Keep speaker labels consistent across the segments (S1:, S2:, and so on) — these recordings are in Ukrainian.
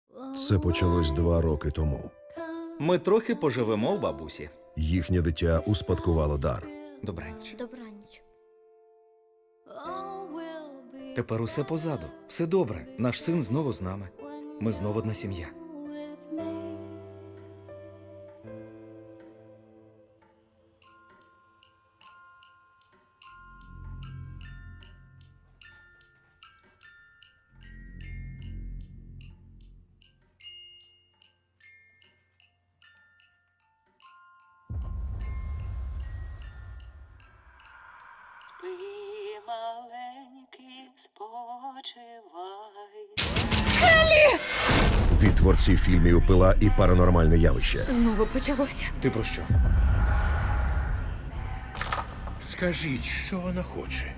S1: Це почалось 2 роки тому.
S2: Ми трохи поживемо у бабусі.
S1: Їхнє дитя успадкувало дар.
S2: Добраніч.
S3: Добраніч.
S2: Тепер усе позаду. Все добре. Наш син знову з нами. Ми знову одна сім'я.
S4: Спи, маленький, спочивай.
S1: Від творців фільмів «Пила» і «Паранормальне явище».
S3: Знову почалося.
S2: Ти про що?
S5: Скажіть, що вона хоче?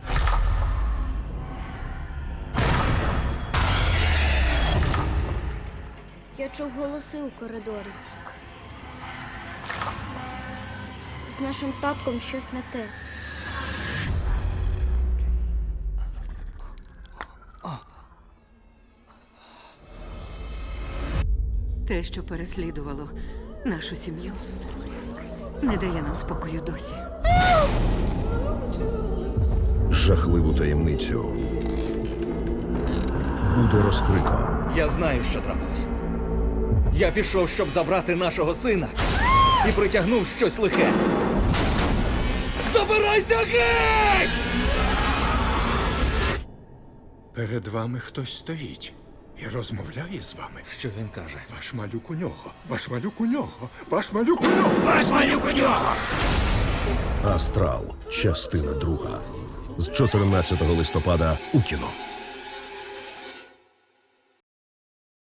S3: Я чув голоси у коридорі. З нашим татком щось не те.
S6: Те, що переслідувало нашу сім'ю, не дає нам спокою досі.
S1: Жахливу таємницю буде розкрито.
S2: Я знаю, що трапилось. Я пішов, щоб забрати нашого сина, і притягнув щось лихе. Забирайся геть!
S5: Перед вами хтось стоїть і розмовляє з вами.
S2: Що він каже?
S5: Ваш малюк у нього, ваш малюк у нього, ваш малюк у нього, ваш малюк у нього!
S1: «Астрал. Частина 2». З 14 листопада у кіно.